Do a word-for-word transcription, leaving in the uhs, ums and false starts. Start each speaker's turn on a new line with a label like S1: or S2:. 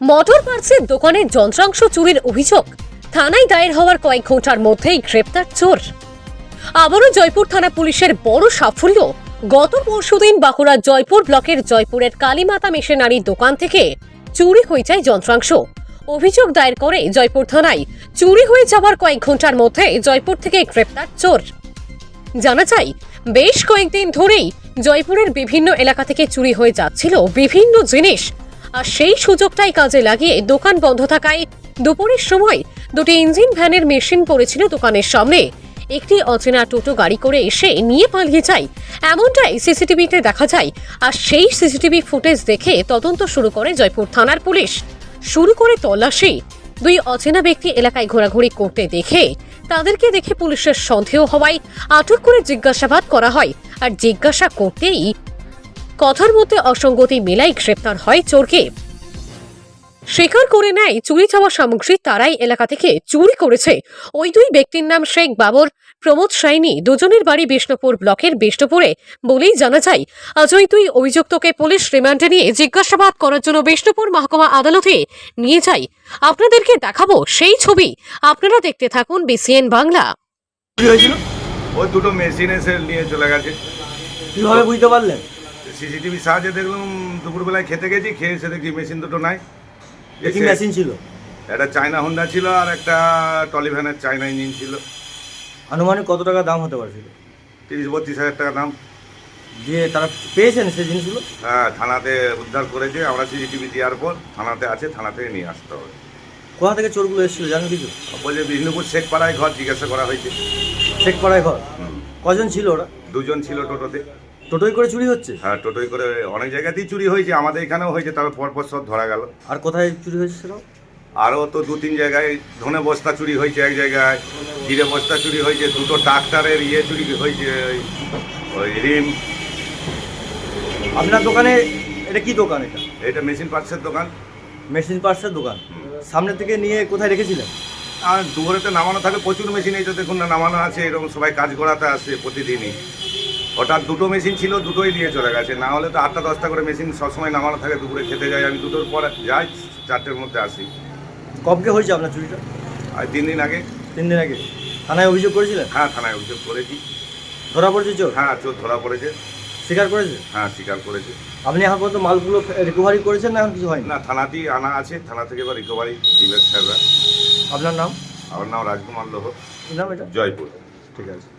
S1: Motor পার্টসের দোকানের যন্ত্রাংশ চুরির অভিযোগ থানায় দায়ের হওয়ার কয়েক ঘন্টার মধ্যেই গ্রেপ্তার চোর। আবারও জয়পুর থানা পুলিশের বড় সাফল্য। গত পরশুদিন বাঁকুড়ার জয়পুর ব্লকের জয়পুরের কালীমাতা মেশিনারির দোকান থেকে চুরি হয়ে যায় যন্ত্রাংশ। অভিযোগ দায়ের করে জয়পুর থানায়। চুরি হয়ে যাওয়ার কয়েক ঘন্টার মধ্যে জয়পুর থেকে গ্রেপ্তার চোর। জানা যায়, বেশ কয়েকদিন ধরেই জয়পুরের বিভিন্ন এলাকা থেকে চুরি হয়ে যাচ্ছিল বিভিন্ন জিনিস, আর সেই সুযোগটাই কাজে লাগিয়ে দোকান বন্ধ থাকায় দুপুরের সময় দুটি ইঞ্জিন ভ্যানের মেশিন পড়েছিল দোকানের সামনে। একটি অচেনা টোটো গাড়ি করে এসে নিয়ে পালিয়ে যায়, এমনটাই সিসিটিভিতে দেখা যায়। আর সেই সিসিটিভি ফুটেজ দেখে তদন্ত শুরু করে জয়পুর থানার পুলিশ। শুরু করে তল্লাশি। দুই অচেনা ব্যক্তি এলাকায় ঘোরাঘুরি করতে দেখে তাদেরকে দেখে পুলিশের সন্দেহ হওয়ায় আটক করে জিজ্ঞাসাবাদ করা হয়। আর জিজ্ঞাসা করতেই কথার মধ্যে অসঙ্গতি মেলাই গ্রেপ্তার হয় চোরকে। স্বীকার করে নেয় চুরি যাওয়া সামগ্রী তারাই এলাকা থেকে চুরি করেছে। ওই দুই ব্যক্তির নাম শেখ বাবর, প্রমোদ সাইনি, দুজনের বাড়ি বিষ্ণুপুর ব্লকের বিষ্ণুপুরে বলেই জানা যায়। আজ ওই দুই অভিযুক্তকে পুলিশ রিমান্ডে নিয়ে জিজ্ঞাসাবাদ করার জন্য বিষ্ণুপুর মহকুমা আদালতে নিয়ে যায়। আপনাদেরকে দেখাবো সেই ছবি, আপনারা দেখতে থাকুন বিসিএন বাংলা।
S2: কি হয়েছিল?
S3: ওই দুটো মেশিন এসে নিয়ে চলে গেছে।
S2: কিভাবে বুঝতে পারলেন?
S3: সিসিটিভি সাহায্যে দেখলাম, দুপুরবেলায় খেতে গেছি, খেয়ে এসে দেখি মেশিন দুটো নাই।
S2: কি মেশিন ছিল?
S3: একটা চায়না হোন্ডা ছিল আর একটা টলিভ্যানের চায়না ইঞ্জিন ছিল।
S2: আনুমানিক কত টাকা দাম হতে পারছিল?
S3: তিরিশ বত্রিশ হাজার টাকা দাম।
S2: যে তারা পেয়েছেন সেই জিনিসগুলো?
S3: হ্যাঁ, থানাতে উদ্ধার করেছে। আমরা সিসিটিভি দেওয়ার পর থানাতে আছে, থানা থেকে নিয়ে আসতে হবে।
S2: কোথা থেকে চোরগুলো এসেছিল জানেন কিছু?
S3: বলছে বিষ্ণুপুর শেখপাড়ায় ঘর, জিজ্ঞাসা করা হয়েছে।
S2: শেখপাড়ায় ঘর?
S3: হুম।
S2: কজন ছিল ওরা?
S3: দুজন ছিল টোটোতে।
S2: টোটোই করে চুরি হচ্ছে?
S3: হ্যাঁ, টোটোই করে অনেক জায়গাতেই চুরি হয়েছে, আমাদের এখানেও হয়েছে, তারপর পরপর সব ধরা গেল।
S2: আর কোথায় চুরি হয়েছে সেটা?
S3: আরও তো দু তিন জায়গায় ধনে বস্তা চুরি হয়েছে, এক জায়গায় জিরে বস্তা চুরি হয়েছে, দুটো ট্রাক্টরের ইয়ে চুরি হয়েছে, ওই- ওই রিম।
S2: আপনার দোকানে এটা কি দোকান? এটা
S3: এটা মেশিন পার্টসের দোকান।
S2: মেশিন পার্টসের দোকান। সামনে থেকে নিয়ে কোথায় রেখেছিলেন?
S3: আর দুপুরেতে নামানো থাকে প্রচুর মেশিন, এই তো দেখুন না নামানো আছে, এরকম সবাই কাজ করাতে আসে প্রতিদিনই। ওটা দুটো মেশিন ছিল, দুটোই নিয়ে চলে গেছে। না হলে তো আটটা দশটা করে মেশিন সবসময় নামানো থাকে। দুপুরে খেতে যাই আমি, দুটোর পর যাই, চারটের মধ্যে আসি।
S2: কবকে হয়েছে আপনার চুরিটা?
S3: আর তিন দিন আগে।
S2: তিন দিন আগে থানায় অভিযোগ করেছিলেন?
S3: হ্যাঁ, থানায় অভিযোগ করেছি।
S2: ধরা পড়েছে চোর?
S3: হ্যাঁ, চোর ধরা পড়েছে।
S2: স্বীকার করেছে?
S3: হ্যাঁ, স্বীকার করেছে।
S2: আপনি এখন পর্যন্ত মালগুলো রিকভারি করেছেন না এখন কিছু হয়নি?
S3: না, থানাতেই আনা আছে, থানা থেকে এবার রিকভারি দিবেন স্যাররা।
S2: আপনার নাম?
S3: আমার নাম রাজকুমার লোহ,
S2: কি নাম এটা?
S3: জয়পুর।
S2: ঠিক আছে।